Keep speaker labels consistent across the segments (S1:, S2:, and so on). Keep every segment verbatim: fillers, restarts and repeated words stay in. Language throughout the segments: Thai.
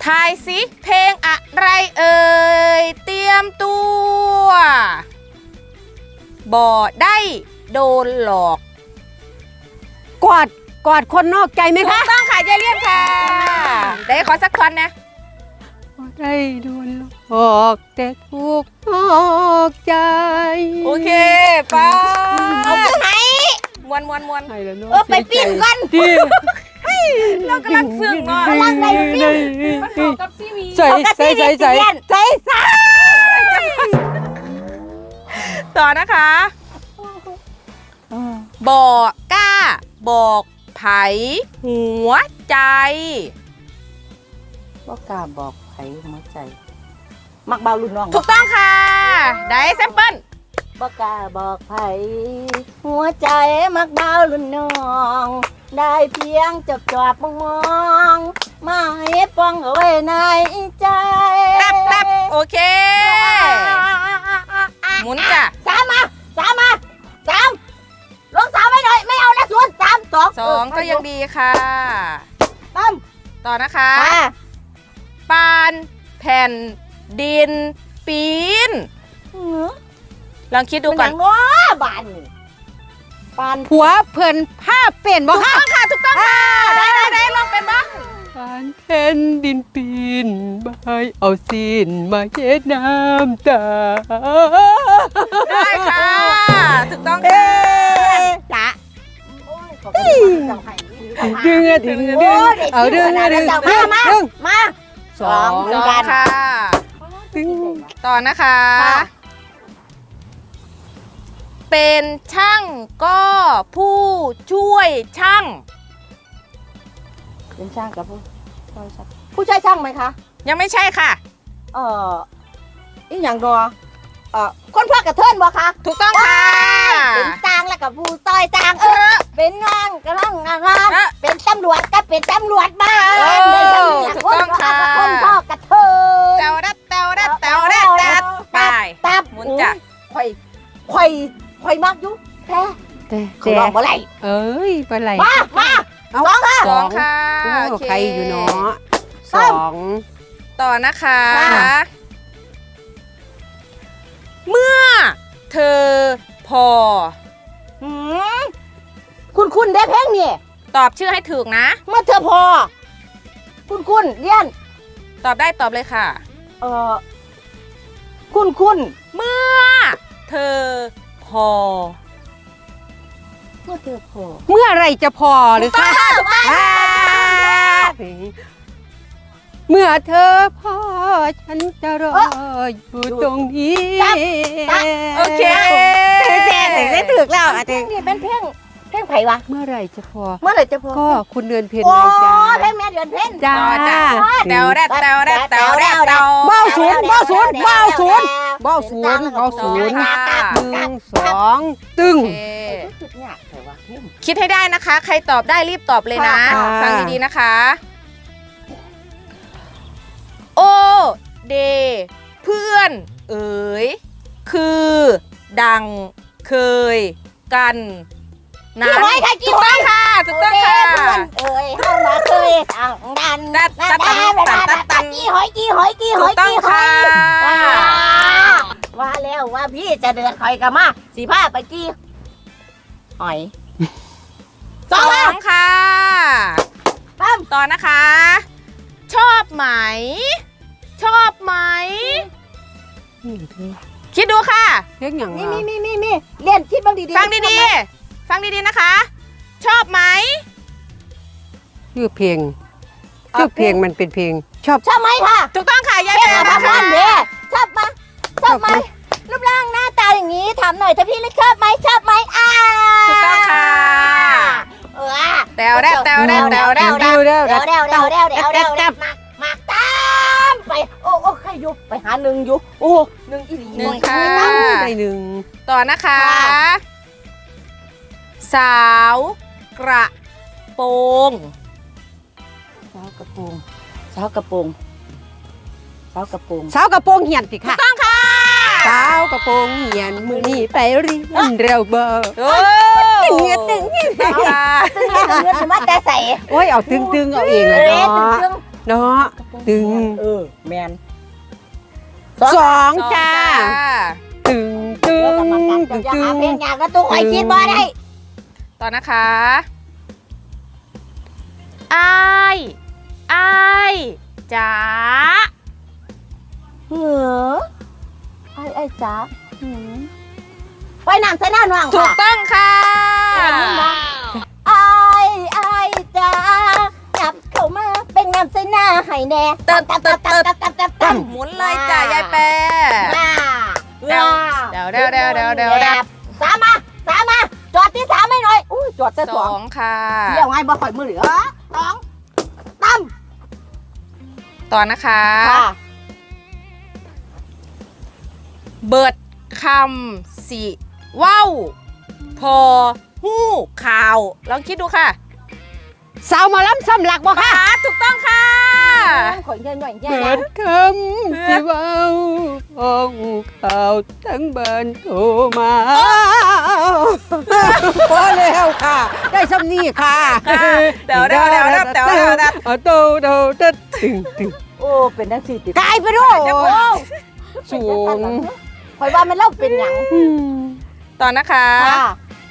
S1: ทายสิเพลงอะไรเอ่ยเตรียมตัวบ่ได้โดนหลอก
S2: กอดกอดคนนอกใจไหมคะ
S1: ต้องค่ะยายเลี่ยนค่ะได้ขอสักท่อนนะ
S2: บ่ได้โดนหลอกแต่ถูกนอกใจ
S1: โอเคไปเอาไปไหนมวนมวนมวนเออไปปีนกันเรากำลังซึ้งเนาะกำลังในฟิลมันเข้ากับซีวี
S2: ใส่ใส่ใส่ใส่ใส่ใส่
S1: ต่อนะคะบอกกล้าบอกไผหัวใจ
S3: บอกกล้าบอกไผหัวใจมักเบารุ่นน้อง
S1: ถูกต้องค่ะได้แซมเปิล
S3: บอกกล้าบอกไผหัวใจมักเบารุ่นน้องได้เพียงจับจอบมองมองมาให้ปองเอาไว้ในใจ
S1: แป๊บแป๊บโอเคหมุนจ้ะ
S3: สามมาสามมาสามลงสามไม่หน่อยไม่เอาแล้วศูนย์สามสอง
S1: สองก็ยังดีค่ะ
S3: ตั้ม
S1: ต่อนะคะปานแผ่นดินปีนลองคิดดูก่อน
S3: ง้อบานปาน
S2: ผัวเพิ่นผ้าเป็นบ่
S1: ค่ะถูกต้องค่ะถูกต้องค่ะได้ได้ได้ลองเป็นบ้าง
S2: ปานแผ่นดินปีนใบเอาซีนมาเช็ดน้ำตา
S1: ได้ค่ะถูกต้องค่ะ
S3: จ้ะ
S2: ดึงดึงดึงเอาดึงดึงดึง
S3: มามา
S1: สองสองค่ะต่อนะคะเป็นช่างก็ผู้ช่วยช่าง
S3: เป็นช่างกับผู้ช่วยช่างผู้ช่วยช่างไหมคะ
S1: ยังไม่ใช่ค่ะ
S3: เอ่ออีกอย่างดอเอ่อคนพวกกระเทินบ่คะ
S1: ถูกต้องค่ะ
S3: เป็นช่างแล้วกับผู้ต้อยช่างเออเป็นงานกำลังงานเป็นตำรวจก็เป็นตำรวจบ้าน
S1: ถูกต้องค่ะ
S3: คนพ่อกระเทิน
S1: เตาดัดเตาดัดเตาดัดตัดไป
S3: ตับ
S1: หมุนจ้ะ
S3: ข่อยข่อยข่อยมากยุแต่
S2: แต่
S3: เขาลองบ่ไร
S2: เอ้ยบ่ไร
S3: มามาสองค่ะ
S1: สองค่ะ
S2: โอเคอยู่เนาะสอง
S1: ต่อนะคะเมื่อเธอพอ
S3: คุณคุณได้เพลงนี่
S1: ตอบชื่อให้ถูกนะ
S3: เมื่อเธอพอคุณคุณเรียน
S1: ตอบได้ตอบเลยค่ะ
S3: เออคุณคุณ
S1: เมื่อเธอพอ
S3: เมื่อเธอพอ
S2: เมื่อไรจะพอหรือคะเมื่อเธอพอฉันจะรออยู่ตรงนี้
S1: โอเค
S3: แต่ได้ถึกแล้วอ่ะนี่เป็นเพลงเพลงไผ่วะ
S2: เมื่อไรจะพอ
S3: เมื่อไรจะพอ
S2: ก็คุณเดือนเพ็ญไงจ้า
S3: เพลงแม่เดือนเพ็ญ
S2: จ้า
S1: เตาแรดเตาแรดเตาแรดเตา
S2: เบ้าศูนย์เบ้าศูนย์เบ้าศูนย์เบ้าศูนย์เบ้าศูนย์หนึ่งสองตึ้ง
S1: คิดให้ได้นะคะใครตอบได้รีบตอบเลยนะฟังดีๆนะคะโอเดเพื่อนเอ๋ยคือดังเคยกันนั้นถูกต้องค่ะถูกต้องค่ะ
S3: เอ้ยเฮามาเคยทางดัน
S1: ดัดตัดตัดตัดตัด
S3: กี้หอยกี้หอยกี้หอยกี้หอยว่าแล้วว่าพี่จะเดือดหอยกันมาสีผ้าไปกี้หอย
S1: สองค่ะตั้มต่อนะคะชอบไหมชอบไหมคิดดูค่ะ
S2: เรื่องอย่าง
S3: นี่นี่นี่นี่นี่เรียนคิดบ้างดีๆ
S1: ฟังดีๆฟังดีๆนะคะชอบไหม
S2: ชื่อเพลงชื่อเพลงมันเป็นเพลงชอบ
S3: ชอบไหมค่ะ
S1: ถูกต้องค่ะยายแม่
S3: ค่ะชอบไหมชอบไหมรูปร่างหน้าตาอย่างนี้ถามหน่อยถ้าพี่เล็กชอบไหมชอบไหมอ่า
S1: ถูกต้องค่ะ
S3: เออ
S1: แตวแดวแตวแดวแตวแดว
S3: แดวแดวแดวแดวแดวแดวแดวแดวแดวมามาตามไปโอ้โอ้ใครอยู่ไปหาหนึ่งอยู่โอ้หนึ่งอีหลี
S1: หนึ่งค่ะ
S2: ได้หนึ่ง
S1: ต่อนะคะสาวกระโปรง
S3: สาวกระโปรงสาวกระโปรงสาวกระโปรง
S2: สาวกระโปรงเหียนสิค่ะ
S1: ต้องค่ะ
S2: สาวกระโปรงเหียนมือนี่ไปเรียนเร็วเบอร์
S1: โอ้
S2: ตึงเงี้ยตึงเงี้ย
S3: ตึงเงี้ยตึงเงี้ยมาแต่ใส่
S2: โอ้ยเอาตึงตึงเอาเองเลยเนาะเนาะตึง
S3: เออแมน
S2: สอง
S1: สอง
S2: จ้า
S1: จ้า
S2: ตึงตึ
S3: เดี๋ยวกรรม
S2: ง
S3: การ
S2: ตึ
S3: จะ
S2: ง
S3: หา
S2: ตึง
S3: เพลงยากก็ตู้ข่อยคิดบ่ได้
S1: ต่อนะคะอ้ายอ้ายจ๋า
S3: เหรอไอ้ไอ้จ๋าหืมไปน้ำใส่หน้าหน่วง
S1: ถู
S3: ค่ะ
S1: กต้องค่ะ
S3: ไอ้ไอ้จ๋าจับเข้ามาเป็นน้ำใส่หน้าให้แน่
S1: เติบ
S3: ตับ
S1: เติ
S3: ตั
S1: บบ เติ
S3: ตั
S1: บบ
S3: ตับตับตับ
S1: หมุนเลยจ้ะยายแปร
S3: ว้า
S1: เดี๋ยวเดี๋ยวเดี๋ยวเดี๋ยวเดี๋ยวเดี๋ยวเดี๋ยว
S3: สามมาสามมาจอดที่สามให้หน่อยอุ้ยจอดแต่
S1: ส
S3: สอ
S1: อง งค่ะ
S3: เที่ยวไงบ่ข่อยมือเหลือสองตั้ม
S1: ต่อนะคะ
S3: ค่ะ
S1: เบิดคำสิเว้าพอหู้ข่าวลองคิดดูค่ะ
S2: สาวหมาล้ำซ้ำหลักบ่ค่ะ
S1: ค่ะถูกต้องค่ะ
S3: ข่อยเงินหน่อยแย่
S2: เปิ
S3: นะ
S2: ดคำสิเว้าห้องข่าวทั้งบ้านโทรมาพอแล้วค่ะ ได้ซ้ำนี่ค่ะ
S1: เดี๋ยวเดี๋ยวเดี๋ยวเดี๋ยวเดี๋ยวเดี๋ยวเดี๋ยว
S2: เอาโตโตเด็ดตึงตึง
S3: โอ้เป็นนักสี่ติด
S2: กลายไปด้วย
S3: โอ้
S2: สูง
S3: ข่อยว่ามันเล่าเป็นหยัง
S1: ต่อนะคะ
S3: ค่ะ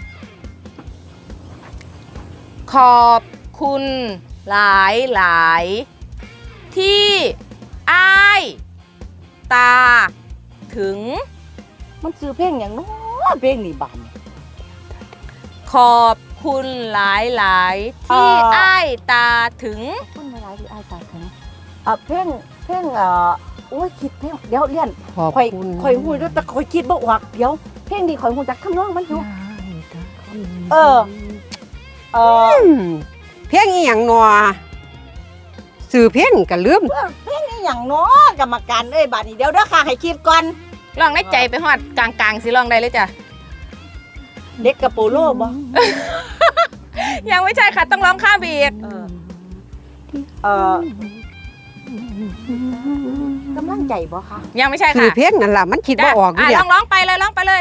S1: ขอบคุณหลายหลายที่อ้ายตาถึง
S3: มันซื้อเพลงอย่างน้อเพลงนี่บาน
S1: ขอบคุณหลายหลายที่อ้ายตาถึง
S3: คุณมาหลายที่อ้ายตาถึงอ่ะเพลงเพลงเอ่อโอ้ยคิดเพลงเดี๋ยวเรียน
S2: ขอบ
S3: ข่อย
S2: คุณ
S3: ข่อยหูแต่ข่อยคิดบ่ออกเดี๋ยวเพลงนี้ข่อยหูจักคำร้องมันอยู่ เออ เออ
S2: อืมเพียงอีหยังหนอสื่อเพียงก็ลืม
S3: เพลงนี้อย่างน้อกรรมการเอ้ยบาดนี้เดี๋ยวเด้อค่ะให้คิดก่อน
S1: ลองในใจไปฮอดกลางกลางๆสิลองได้เลยจ้ะ
S3: เด็กกับโปโลบ่
S1: ยังไม่ใช่ค่ะต้องร้องข้ามไปอีก
S3: เออเออกำลังใจบ่คะ
S1: ยังไม่ใช่
S2: สื่อ
S1: ค่ะ
S2: เพียงนั่นล่ะมันคิดบ่ออกอยู่
S1: อ่ะ
S2: เดี
S1: ล
S2: ย
S1: องร้องไปเลยร้องไปเลย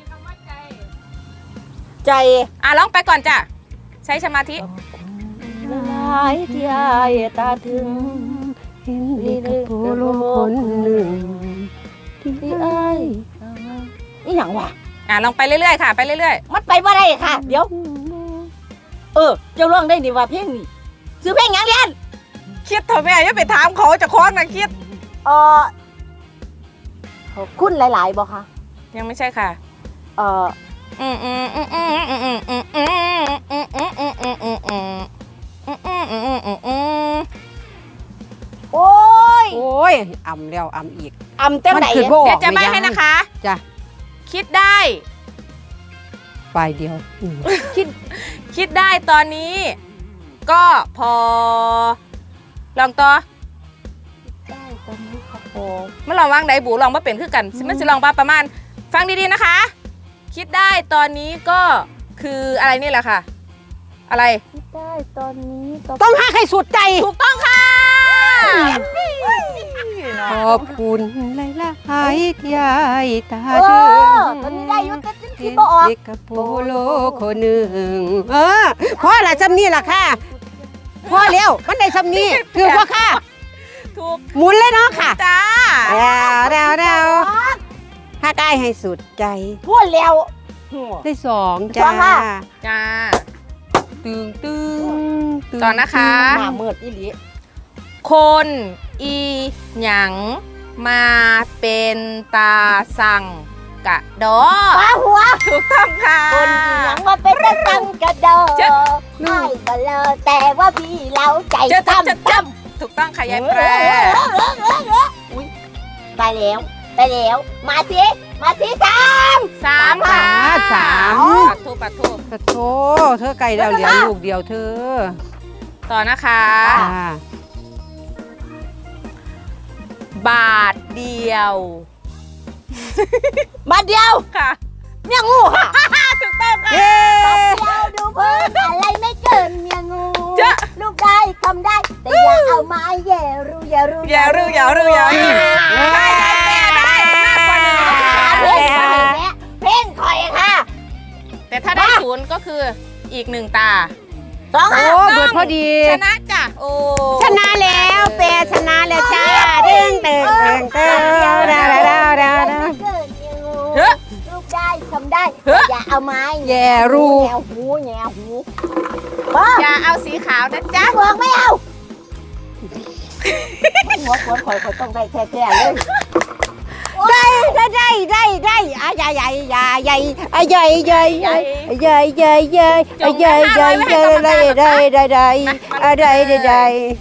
S3: ใจ
S1: อ่ะร้องไปก่อนจ้ะใช้สมาธิ
S3: หลายที่อายตาถึง
S2: เห็นเด็กกับโปโลคนหนึ่ง
S3: ที่อายอีหยังวะ
S1: อ่ะลองไปเรื่อยๆค่ะ ไปเรื่อย
S3: มันไปบ่ได้ค่ะ เดี๋ยว เออ เจ้าร้องได้นี่ว่าเพลงนี้ซื้อเพลงหยังเรียน
S1: ๆคิดเถอะแม่อย่าไปถามเขาจะคล้องนะคิด
S3: เออขอบคุณหลายๆบ่คะ
S1: ยังไม่ใช่ค่ะ
S3: เออ
S1: อืมอืมอืมอืมอืมอืมอืมอืมอืมอืมอืมอืมอืมอืมอืมอืมอืมอืม
S3: โอ้ย
S2: โอ้ยอ่ำแล้วอ่ำอีก
S3: อำจัง
S2: มัน
S3: ไหน
S2: คือบ่อ
S1: เดี๋ย
S2: อก
S1: วจะ
S2: ไม่
S1: ไม่
S2: ยัง
S1: ให้นะคะ
S2: จ้ะ
S1: คิดได้
S2: ปลายเดียวอืม
S1: คิดคิดได้ตอนนี้ ก็พอ ลองต่อ
S3: ได้ตอนนี้ครับผม
S1: ไม่ลองวางไดบูลองมาเป็นคือกันมันจะลองมาประมาณ ฟังดีๆนะคะ คิดได้ตอนนี้ก็คืออะไรนี่แหละค่ะ อะไร
S3: คิดได้ตอนนี้ตอน
S2: ต้องหาใครสุดใจ
S1: ถูกต้องค่ะ
S2: ขอบคุณหลายหลายๆที่ยายตา
S3: เอ
S2: ถึ
S3: อง ตอนนี้ได้อยุติคิด
S2: เห็น
S3: บ่ออก
S2: เด็กกับโปโลคนหนึ่งเออพ่อละจำนี่ล่ะค่ะพ่อแล้วมันได้จำนี่คือพ่อค่ะ
S1: ถูก
S2: หมุนเลยเนาะค่ะ
S1: จ้า
S2: เดาวดาวดาวถ้าได้ให้สุดใจ
S3: พูดแล้วหัว
S2: ได้สอง
S3: ส
S2: จ้า
S3: องค่ะ
S1: จ้า
S2: ตึงตึงตึง
S1: ต่อนะคะ
S3: หน้ามืดอีหลี
S1: คนอีหยังมาเป็นตาสั่งกะดอ
S3: ปลาหัว
S1: ถูกต้องค่ะ
S3: คนที่หยังว่าเป็นตะตังกระโดด
S1: เจ๊ะ
S3: ไม่ก็เลยแต่ว่าพี่เราใจ
S1: เจะ
S3: จำ
S1: จำจะจำถูกต้องค่ะยายแปร
S3: อุ๊ยตายแล้วตายแล้ว มาสิมาสิสาม
S1: สามค่ะ
S2: สาม
S1: ปัดทูปัดทู
S2: กระโถเธอไก่ดาวเหลียงลูกเดียวเธอ
S1: ต่อนะคะ
S2: จ้า
S1: บาทเดียว
S3: มาเดียว
S1: ค่ะ
S3: เนี่ยงูค่ะ
S1: ถูกต้องค่ะ
S2: เย้
S3: มาเดียวดูเพิ่มอะไรไม่เกินเมียงู
S1: เจ๊ะ
S3: ลูกได้ทำได้ แต่อย่าเอาไม้แย่รู้อย่ารู้
S1: อย่ารู้อย่ารู้อย่ารู้ได้ยายแปรได้มากกว่าหนึ่ง
S3: เพลงข่อยแม่เพลงข่อยค่ะ
S1: แต่ถ้าได้ศูนย์ก็คืออีกหนึ่งตา
S3: ต้อง
S2: โอ้เบิดพอดี
S1: ชนะจ้ะโอ้
S2: ชนะแล้วแปรชนะแล้วจ้าเด้งเติงเติงเติงดาวดาวดาวดาว
S1: เฮ้ย
S3: ลูกได้ทำได้
S1: เฮ้ย
S3: อย่าเอาไม้
S2: แย่รู
S3: แงวหูแงวหูป้า
S1: อย่าเอาสีขาวนะจ๊ะ
S3: บอกไม่เอาหัวขวนข่อยข่อยต้องได้แท้ๆเลย
S2: ได้ได้ได้ได้ได้อ่ะใหญ่ใหญ่ใหญ่ใหญ่อ่ะใหญ่ใหญ่ใหญ่ใหญ่ใหญ่ใหญ่อ่ะใหญ่ใหญ่ใหญ่ได้ได้ได้ได้อ่ะได้ได้ได้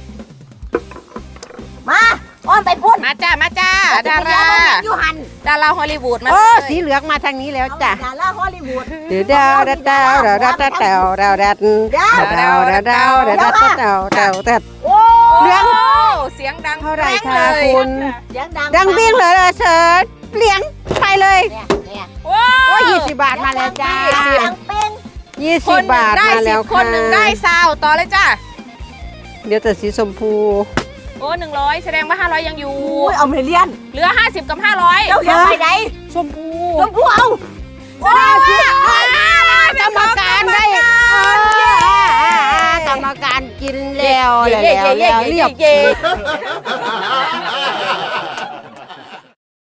S3: มาอ้อมไปพุ่น
S1: มาจ้ามาจ้าดารา
S3: อยู่หัน
S1: ดาราฮอลลีวูดมา
S2: โอ้
S1: เลย
S2: สีเหลืองมาทางนี้แล้วจ้ะ
S3: ดาราฮอลลีวูด
S2: ดาวดาวดาวดาวดาวดาวดาวดาวดาวดาวดาวดาวดาวดาวดาวดาวดาวดาว
S3: โอ้
S2: เหลือง
S1: โอ้เสียงดัง
S2: เท่าไหร่
S1: แรง
S2: คะ
S1: เลย
S2: คุณ
S3: เสียงดัง
S2: ดังวิ่งเลยล่ะเชิญเหลียงไปเลย
S3: เนี่ยเนี่ย
S1: โอ้
S2: โอ้ยี่สิบบาทมาแล้วจ้า
S3: ดังเป็น
S2: ยี่
S1: ค
S2: สิบ
S1: นหนึ่
S2: บาง ท
S1: ได้
S2: มา
S1: สิ
S2: แล้ว
S1: บค
S2: ค่ะ
S1: นหนึ่งได้ซาวต่อเลยจ้า
S2: เดี๋ยวแต่สีชมพู
S1: โอ้หนึ่งร้อยแสดงว่าห้าร้อยยังอยู่
S3: อุ้ยเอาเมเลียน
S1: เหลือห้าสิบกับห้าร้อย
S3: เจ้าเลี้ยงไปไหน
S2: ชมพู
S3: ชมพู่เอา
S1: แสดงว่าก
S2: รรมการได้กรรมการกินแล้วแล้วแล้วเรียบ
S1: เย้